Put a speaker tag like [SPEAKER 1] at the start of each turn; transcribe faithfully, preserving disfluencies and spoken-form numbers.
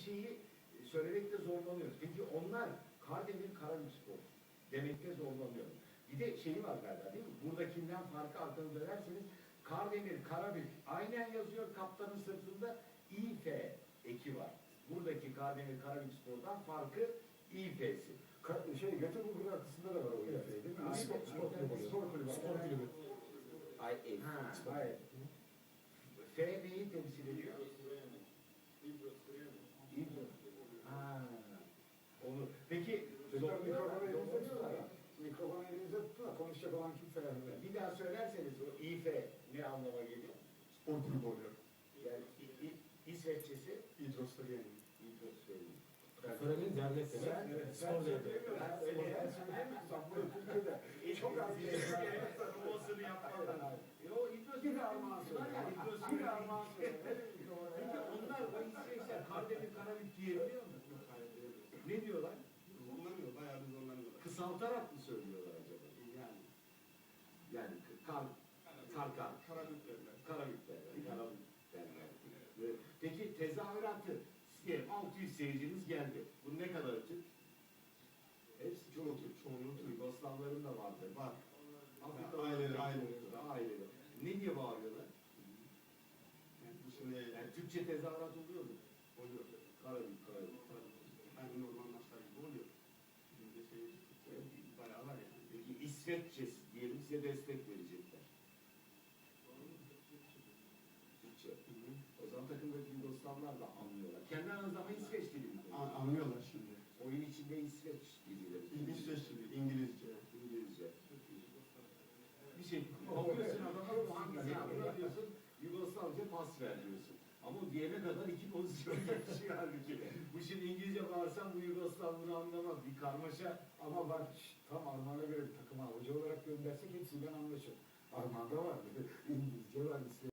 [SPEAKER 1] şeyi söylemekte zorlanıyoruz. Peki onlar Kardemir Karabükspor demekte zorlanıyor. Bir de şeyi var galiba değil mi? Buradakinden farkı arkanı dönerseniz Kardemir Karabük aynen yazıyor, kaptanın sırtında İF eki var. Buradaki Kardemir Karabükspor'dan farkı İF'si.
[SPEAKER 2] Şey, Göteborg arkasında da var o evet. Değil mi? Spor, spor kulübü. Spor kulübü. Spor kulübü.
[SPEAKER 1] Ay, e, ha, hayır. F neyi temsil ediyor? İbro. Ha. Onu. Peki
[SPEAKER 2] Mikrofonu elinize tuttular. Mikrofonu elinize tuttular. Konuşacak olan kimse yani.
[SPEAKER 1] Bir daha söylerseniz o İF ne anlama geliyor?
[SPEAKER 2] Spor kulübü oluyor.
[SPEAKER 1] Yani İ, İ, İsveççesi
[SPEAKER 2] İdros'tariyenin.
[SPEAKER 1] İdros'u.
[SPEAKER 3] Söylemenin devlet
[SPEAKER 1] Sen,
[SPEAKER 3] demek.
[SPEAKER 1] sen
[SPEAKER 3] Spor devleti.
[SPEAKER 1] söylemiyorum. Ben söyleyemiyorum.
[SPEAKER 2] Bu Türkiye'de çok az bir şey.
[SPEAKER 1] Tanımasını yapmadan. Yo, İdros
[SPEAKER 2] Bir armağan söyle. Bir armağan söyle.
[SPEAKER 1] Peki onlar o İsveçler Kardemir Karabük diyebiliyor mu? Ne diyorlar?
[SPEAKER 4] Zorlanıyor, bayağı bir zorlanıyorlar.
[SPEAKER 1] Kısaltarak mı söylüyorlar acaba?
[SPEAKER 4] Yani.
[SPEAKER 1] Yani kar, karkar,
[SPEAKER 4] Karabük derler.
[SPEAKER 1] Karabük derler, Karabük derler. Peki tezahüratı, diyelim altı yüz seyirciniz geldi. Bu ne kadar Türk? Hepsi çoğu Türk, çoğunluğu Türk. Yugoslavların da vardı. Var. Afrika
[SPEAKER 4] Aileleri, aileleri.
[SPEAKER 1] aileleri. Ne diye bağırıyorlar?
[SPEAKER 4] Yani bu sene
[SPEAKER 1] Yani Türkçe tezahürat oluyor mu?
[SPEAKER 4] oluyor.
[SPEAKER 1] Karabük, Karabük.
[SPEAKER 4] Yani normal maçlar gibi oluyor. Şimdi de şey, bayağı var yani.
[SPEAKER 1] Peki İsveççe diyelim size destek verecekler. Türkçe.
[SPEAKER 4] Hı hı.
[SPEAKER 1] O zaman takımdaki Yugoslavlar da anlıyorlar. Kendi aranızda ama İsveç dili mi?
[SPEAKER 4] A- Anlıyorlar şimdi.
[SPEAKER 1] Oyun içinde İsveç dilileri.
[SPEAKER 4] İsveç dili, İngilizce.
[SPEAKER 1] İngilizce. Bir şey bakıyorsun adama bu hangisini anlar diyorsun, Yugoslavca pas ver diyorsun. Ama o diyene kadar iki pozisyon geçiyor halbuki. Bu şimdi İngilizce bağırsam bu Yugoslav bunu anlamaz. Bir karmaşa.
[SPEAKER 2] Ama bak tam Armağan'a göre bir takıma hoca olarak göndersek hepsinden anlaşır. Armağan'da var. İngilizce var, İsveç.